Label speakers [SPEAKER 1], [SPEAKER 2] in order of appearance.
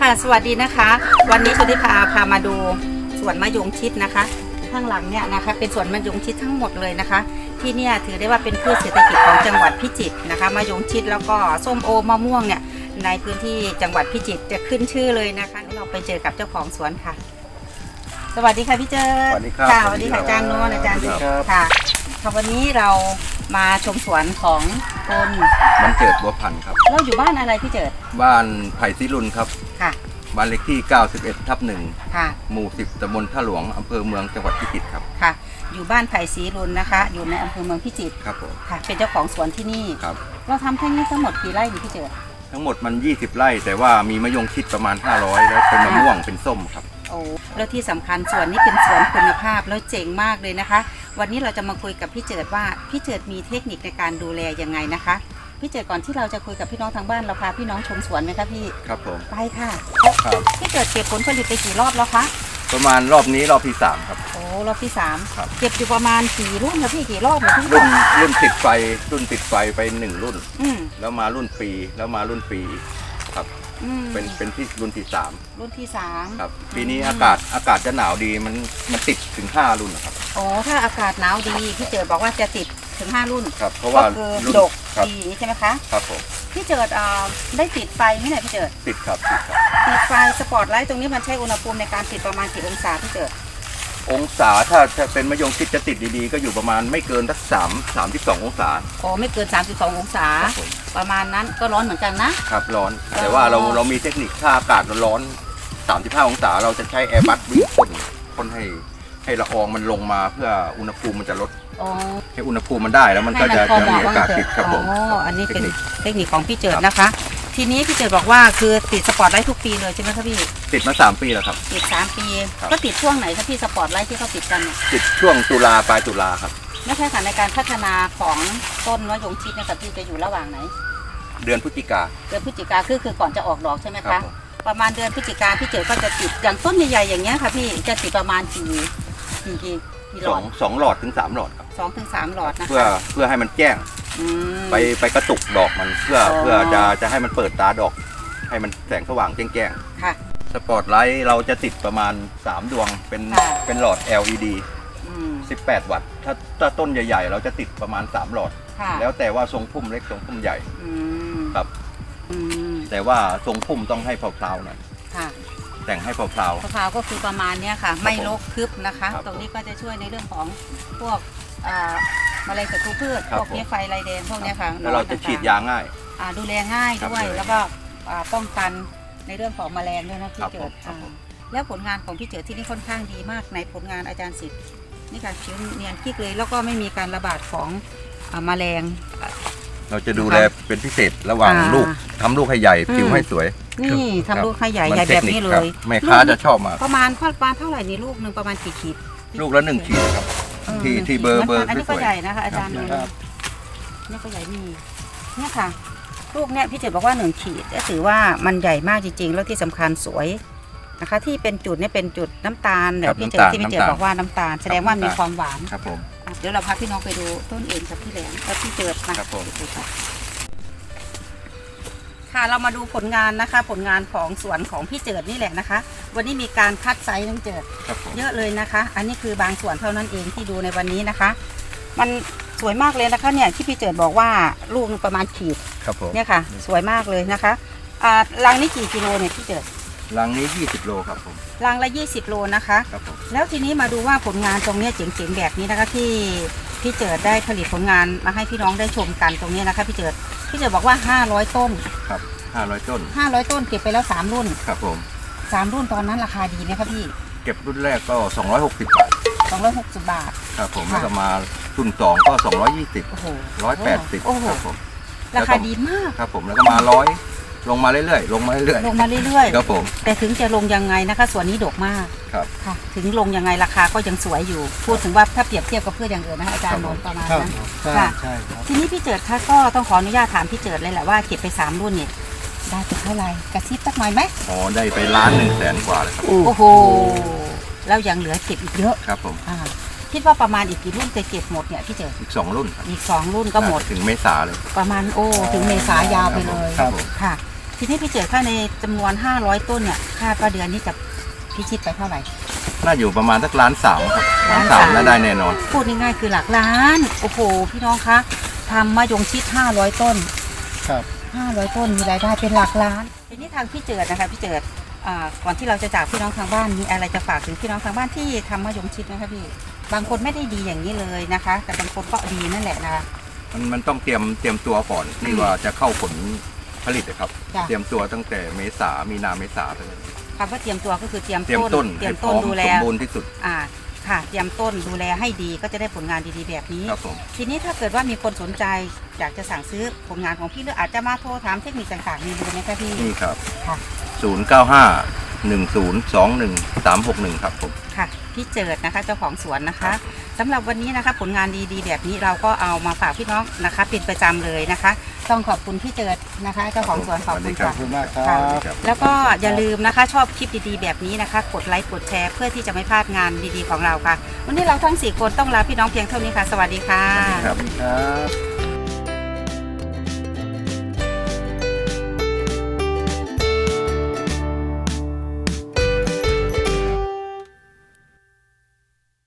[SPEAKER 1] ค่ะสวัสดีนะคะวันนี้ชนิพามาดูสวนมะยงชิดนะคะข้างหลังเนี่ยนะคะเป็นสวนมะยงชิดทั้งหมดเลยนะคะที่เนี่ยถือได้ว่าเป็นพืชเศรษฐกิจของจังหวัดพิจิตรนะคะมะยงชิดแล้วก็ส้มโอมะม่วงเนี่ยในพื้นที่จังหวัดพิจิตรจะขึ้นชื่อเลยนะคะเราไปเจอกับเจ้าของสวนค่ะสวัสดีค่ะพี่เจิด
[SPEAKER 2] สวัสดีครับ
[SPEAKER 1] ค่ะสวัสดีค่ะอาจารย์โน้นอาจารย์ค่ะวันนี้เรามาชมสวนของคน
[SPEAKER 2] มันเจิดบัวพันธุ์ครับ
[SPEAKER 1] เราอยู่บ้านอะไรพี่เจิด
[SPEAKER 2] บ้านไผ่ศิรุนครับ
[SPEAKER 1] ค่ะ
[SPEAKER 2] บ้านเลขที่ 91/1
[SPEAKER 1] ค่ะ
[SPEAKER 2] หมู่ 10 ตำบลท่าหลวง อำเภอเมือง จังหวัดพิจิตรครับ
[SPEAKER 1] ค่ะ อยู่บ้านไผ่ศรีรุนนะคะ อยู่ในอำเภอเมืองพิจิตร
[SPEAKER 2] ครับผม
[SPEAKER 1] ค่ะ เป็นเจ้าของสวนที่นี่
[SPEAKER 2] ครับ
[SPEAKER 1] เราทำแค่นี้ทั้งหมดกี่ไร่นี่พี่เจิด
[SPEAKER 2] ทั้งหมดมัน 20 ไร่ แต่ว่ามีมะยงชิดประมาณ 500 แล้วเป็นมะม่วงเป็นส้มครับ
[SPEAKER 1] โอ้แล้วที่สำคัญสวนนี้เป็นสวนคุณภาพแล้วเจ๋งมากเลยนะคะ วันนี้เราจะมาคุยกับพี่เจิดว่าพี่เจิดมีเทคนิคในการดูแลยังไงนะคะพี่เจิดก่อนที่เราจะคุยกับพี่น้องทางบ้านเราพาพี่น้องชมสวนไหมคะพี่
[SPEAKER 2] ครับผม
[SPEAKER 1] ไปค่ะ
[SPEAKER 2] ครับ
[SPEAKER 1] พี่เจิดเก็บผลผลิตไปกี่รอบแล้วคะ
[SPEAKER 2] ประมาณรอบนี้รอบที่ 3 ครับ
[SPEAKER 1] โอ้รอบที่3
[SPEAKER 2] ครับ
[SPEAKER 1] เก็บอยู่ประมาณกี่รุ่นคะพี่กี่รอบนะพี่
[SPEAKER 2] รุ่นติดไฟ รุ่นติดไฟไป 1 รุ่น
[SPEAKER 1] อืม
[SPEAKER 2] แล้วมารุ่นปี แล้วมารุ่นปีครับ
[SPEAKER 1] อืม
[SPEAKER 2] เป็นที่รุ่นที่
[SPEAKER 1] รุ่นที่3
[SPEAKER 2] 3 ครับ ปีนี้อากาศจะหนาวดีมันติดถึง 5 รุ่นนะครับ
[SPEAKER 1] โอ้ถ้าอากาศหนาวดีพี่เจิดบอกว่าจะติดถึง5 รุ่น
[SPEAKER 2] ครับ เพราะว่า
[SPEAKER 1] ก็คือ
[SPEAKER 2] รุ่น
[SPEAKER 1] ดก
[SPEAKER 2] ครับ
[SPEAKER 1] ดีใช่ไหมคะ
[SPEAKER 2] ครับผม
[SPEAKER 1] พี่เจิดได้ติดไฟไหมเนี่ยพี่เจิด
[SPEAKER 2] ติดครับติดครับ
[SPEAKER 1] ติดไฟสปอตไลท์ตรงนี้มันใช้อุณหภูมิในการติดประมาณกี่องศาพี่เจิด
[SPEAKER 2] องศาถ้าเป็นมะยงชิดจะติดดีๆ ก็อยู่ประมาณไม่เกินสัก32 องศา
[SPEAKER 1] โอ้ไม่เกิน32องศา
[SPEAKER 2] ครับผม
[SPEAKER 1] ประมาณนั้นก็ร้อนเหมือนกันนะครับ
[SPEAKER 2] ร้อน แต่ว่าเรามีเทคนิคถ้าอากาศร้อน35 องศาเราจะใช้แอร์บัสวิ่งพ่นให้ละอองมันลงมาเพื่ออุณหภูมิมันจะลด
[SPEAKER 1] อ๋อ
[SPEAKER 2] ให้อุณหภูมิมันได้แล้วมันก็จะ
[SPEAKER 1] ให้มันพอเห
[SPEAKER 2] มี
[SPEAKER 1] มาะ
[SPEAKER 2] อากาศติดครับผม
[SPEAKER 1] อ๋ออันนี้เป็น
[SPEAKER 2] ทค
[SPEAKER 1] เทคนิคของพี่เจิดนะคะ ทีนี้พี่เจิดบอกว่าคือติดสปอตไลท์ทุกปีเลยใช่ไหมคะพี่
[SPEAKER 2] ติดมา3 ปีแล้วครับ
[SPEAKER 1] ติด3 ปี
[SPEAKER 2] ครับ
[SPEAKER 1] ก็ติดช่วงไหนคะพี่สปอตไลท์ที่เขาติดกันเนี่ย
[SPEAKER 2] ติดช่วงตุลาปลายตุลาครับ
[SPEAKER 1] ไม่ใช่ค่ะในการพัฒนาของต้นมะยงชิดเนะคะพี่จะอยู่ระหว่างไหน
[SPEAKER 2] เดือนพฤศจิกา
[SPEAKER 1] เดือนพฤศจิกาคือก่อนจะออกดอกใช่ไหม
[SPEAKER 2] ครั
[SPEAKER 1] คะ
[SPEAKER 2] บผม
[SPEAKER 1] ประมาณเดือนพฤศจิกาพี่เจิดก็จะติดอย่างต้นใหญ่ๆอย่างเงี้ยค่ะพี่จะติดประมาณกี่หลอด
[SPEAKER 2] 2 หลอดถึง 3 หลอดครับ
[SPEAKER 1] 2 ถึง 3 หลอดนะคะ
[SPEAKER 2] เพื่อให้มันแจ้ง
[SPEAKER 1] อืม
[SPEAKER 2] ไปกระตุกดอกมันเพื่อ
[SPEAKER 1] อ๋อ
[SPEAKER 2] เพื่อจะให้มันเปิดตาดอก ให้มันแสงสว่างแจ้ง
[SPEAKER 1] ค่ะ
[SPEAKER 2] ๆสปอตไลท์เราจะติดประมาณ3 ดวง
[SPEAKER 1] ค่ะ
[SPEAKER 2] เป็นหลอด LED
[SPEAKER 1] อืม
[SPEAKER 2] 18 วัตต์ถ้าต้นใหญ่ๆ เราจะติดประมาณ3 หลอด
[SPEAKER 1] ค่ะ
[SPEAKER 2] แล้วแต่ว่าทรงพุ่มเล็กทรงพุ่มใหญ่
[SPEAKER 1] อืม
[SPEAKER 2] ครับ
[SPEAKER 1] อืม
[SPEAKER 2] แต่ว่าทรงพุ่มต้องให้เพลาๆหน่อย
[SPEAKER 1] ค่ะ
[SPEAKER 2] แต่งให้เพลา
[SPEAKER 1] มะพร้าวก็คือประมาณเนี้ยค่ะ ไม่รกทึบนะคะ
[SPEAKER 2] ครับ
[SPEAKER 1] ตรงนี้ก็จะช่วยในเรื่องของพวกแมลงศัตรูพืช
[SPEAKER 2] ครับ
[SPEAKER 1] พวกเนี้ยไฟลายแดงพวกเนี้ยค่ะ
[SPEAKER 2] ๆแล้วเราจะฉีดยาง่าย
[SPEAKER 1] ดูแลง่าย
[SPEAKER 2] ครับ
[SPEAKER 1] ด้วย
[SPEAKER 2] ดูแล
[SPEAKER 1] แล้วก็ป้องกันในเรื่องของแมลงด้วยนะพี่
[SPEAKER 2] ครับ
[SPEAKER 1] เจิ
[SPEAKER 2] ผ
[SPEAKER 1] ด
[SPEAKER 2] มครับผม
[SPEAKER 1] แล้วผลงานของพี่เจิดที่นี่ค่อนข้างดีมากในผลงานอาจารย์สิทธิ์นี่ค่ะผิวเนียนกิ๊กเลย แล้วก็ไม่มีการระบาดของแมลง
[SPEAKER 2] เราจะดูแลเป็นพิเศษระหว่างลูกทำลูกให้ใหญ่ผิวให้สวย
[SPEAKER 1] นี่ทำลูกให้ใหญ่
[SPEAKER 2] มัน
[SPEAKER 1] ใหญ่แบบนี้
[SPEAKER 2] ทค
[SPEAKER 1] เล
[SPEAKER 2] ครับ
[SPEAKER 1] ย
[SPEAKER 2] แม่ค้าจะชอบมาก
[SPEAKER 1] ประมาณเท่าไหร่นี่ลูกหนึ่งประมาณกี่ขีด
[SPEAKER 2] ลูกละ1 ขีดครับ ที่เบอร์
[SPEAKER 1] อันนี้
[SPEAKER 2] ส
[SPEAKER 1] ก็
[SPEAKER 2] วย
[SPEAKER 1] ใหญ่นะคะอาจารย์
[SPEAKER 2] ครับ
[SPEAKER 1] นี่ก็ใหญ่มีเนี่ยค่ะ ลูกเนี่ยพี่เจิดบอกว่า1 ขีดก็ถือว่ามันใหญ่มากจริงๆ แล้วที่สำคัญสวยนะคะ ที่เป็นจุดเนี่ยเป็นจุดน้ำตาลแบบพี่เจิดที่พี่เจิดบอกว่าน้ำตาล แสดงว่ามีความหวาน
[SPEAKER 2] ครับผม
[SPEAKER 1] เดี๋ยวเราพาพี่น้องไปดูต้นเองกับพี่แหลมแล้วพี่เจิดนะครับ
[SPEAKER 2] ผม
[SPEAKER 1] ค่ะเรามาดูผลงานนะคะ ผลงานของสวนของพี่เจิดนี่แหละนะคะ วันนี้มีการคัดไซส์น้องเจิด
[SPEAKER 2] ครับผม
[SPEAKER 1] เยอะเลยนะคะ อันนี้คือบางส่วนเท่านั้นเองที่ดูในวันนี้นะคะ มันสวยมากเลยนะคะเนี่ยที่พี่เจิดบอกว่าลูกนึงประมาณขีด
[SPEAKER 2] ครับผม
[SPEAKER 1] เนี่ยค่ะ สวยมากเลยนะคะรังนี้กี่กิโลเนี่ยพี่เจิด
[SPEAKER 2] รังนี้20 โลครับผม
[SPEAKER 1] รังละ20 โลนะคะ
[SPEAKER 2] ครับผม
[SPEAKER 1] แล้วทีนี้มาดูว่าผลงานตรงเนี้ยเจ๋งๆแบบนี้นะคะที่พี่เจิดได้ผลิตผลงานมาให้พี่น้องได้ชมกันตรงนี้นะคะพี่เจิดบอกว่า500 ต้น
[SPEAKER 2] ครับ500 ต้น
[SPEAKER 1] 500 ต้นเก็บไปแล้ว3 รุ่น
[SPEAKER 2] ครับผม
[SPEAKER 1] 3 รุ่นตอนนั้นราคาดีไหมคะพี่
[SPEAKER 2] เก็บรุ่นแรกก็260 บาท
[SPEAKER 1] 260 บาท
[SPEAKER 2] ครับผม
[SPEAKER 1] ค่ะ
[SPEAKER 2] แล้วก็มารุ่น2ก็220
[SPEAKER 1] โอ้โห
[SPEAKER 2] 180
[SPEAKER 1] โอ้โห
[SPEAKER 2] ครับผม
[SPEAKER 1] ราคาดีมาก
[SPEAKER 2] ครับผมแล้วก็มา100ลงมาเรื่อยๆลงมาเรื่อย
[SPEAKER 1] ลงมาเรื่อย
[SPEAKER 2] ๆครับผม
[SPEAKER 1] ๆ แต่ถึงจะลงยังไงนะคะส่วนนี้ดกมาก
[SPEAKER 2] ครับ
[SPEAKER 1] ค่ะ ถึงลงยังไงราคาก็ยังสวยอยู่ พูดถึงว่าถ้าเปรียบเทียบกับพืชอย่างอื่นนะคะอาจารย์โนนท์ประมาณนั้น
[SPEAKER 3] ใช่
[SPEAKER 1] ค่ะ
[SPEAKER 3] ใช่ครับ
[SPEAKER 1] ทีนี้พี่เจิดคะก็ต้องขออนุญาตถามพี่เจิดเลยแหละว่าเก็บไป3 รุ่นเนี่ยได้ไปเท่าไหร่กระซิบสักหน่อยไหม
[SPEAKER 2] อ๋อได้ไป1,100,000 กว่าเลยครับ
[SPEAKER 1] โอ้โหแล้วยังเหลือเก็บอีกเยอะ
[SPEAKER 2] ครับผม
[SPEAKER 1] คิดว่าประมาณอีกกี่รุ่นจะเก็บหมดเนี่ยพี่เจิด
[SPEAKER 2] อีก2 รุ่นครับ
[SPEAKER 1] อีก2 รุ่นก็หมด
[SPEAKER 2] ถึงเมษาเลย
[SPEAKER 1] ประมาณถึงเมษายาวไปเลย
[SPEAKER 2] ครับผม
[SPEAKER 1] ค่ะทีนี้พี่เจิดถ้าในจำนวน500ต้นเนี่ยคาดว่าเดือนนี้จะพิชิตไปเท่าไหร่
[SPEAKER 2] น่าอยู่ประมาณสัก1.3 ล้านครับ1.3 ล้านน่าได้แน่นอน
[SPEAKER 1] พูดง่ายๆคือหลักล้านโอ้โหพี่น้องคะทำมะยงชิด500ต้น
[SPEAKER 3] ครับ
[SPEAKER 1] 500ต้นมีรายได้เป็นหลักล้านทีนี้ทางพี่เจิดนะคะพี่เจิดก่อนที่เราจะจากพี่น้องทางบ้านมีอะไรจะฝากถึงพี่น้องทางบ้านที่ทำมะยงชิดนะคะพี่บางคนไม่ได้ดีอย่างนี้เลยนะคะ แต่บางคนก็ดีนั่นแหละนะคะ
[SPEAKER 2] มันต้องเตรียมตัวก่อนที่ว่าจะเข้าผลผลิตนะครับ
[SPEAKER 1] จ้ะ
[SPEAKER 2] เตรียมตัวตั้งแต่มีนาเมษาไปเลย
[SPEAKER 1] คำว่าเตรียมตัวก็คือเตรียม
[SPEAKER 2] เตรียมต้น
[SPEAKER 1] เตรี
[SPEAKER 2] ให้
[SPEAKER 1] ยม
[SPEAKER 2] พร้
[SPEAKER 1] ต้
[SPEAKER 2] อน ม
[SPEAKER 1] ดูแล
[SPEAKER 2] สมบูรณ์ที่สุด
[SPEAKER 1] ค่ะเตรียมต้นดูแลให้ดีก็จะได้ผลงานดีๆแบบนี้
[SPEAKER 2] ครับผม
[SPEAKER 1] ทีนี้ถ้าเกิดว่ามีคนสนใจอยากจะสั่งซื้อผลงานของพี่หรืออาจจะมาโทรถามเทคนิคต่างๆมีเบอร์ไหมคะพี่
[SPEAKER 2] นี่ครับ
[SPEAKER 1] ค่ะ
[SPEAKER 2] 095-1021-361 ครับผม
[SPEAKER 1] ค่ะพี่เจิดนะคะเจ้าของสวนนะคะสำหรับวันนี้นะคะผลงานดีๆแบบนี้เราก็เอามาฝากพี่น้องนะคะเป็นประจำเลยนะคะ ต้องขอบคุณพี่เจิดนะคะเจ้าของสวนขอบคุณ
[SPEAKER 3] ขอ
[SPEAKER 1] ค่ะ
[SPEAKER 3] บคุณมากครั
[SPEAKER 1] ค่ะ
[SPEAKER 3] บ
[SPEAKER 1] แล้วก็อย่าลืมนะคะชอบคลิปดีๆแบบนี้นะคะ กดไลค์กดแชร์เพื่อที่จะไม่พลาดงานดีๆของเราค่ะ วันนี้เราทั้ง4คนต้องลาพี่น้องเพียงเท่านี้ค่ะ สวัสดีค่ะ
[SPEAKER 2] ครับ
[SPEAKER 3] ครับ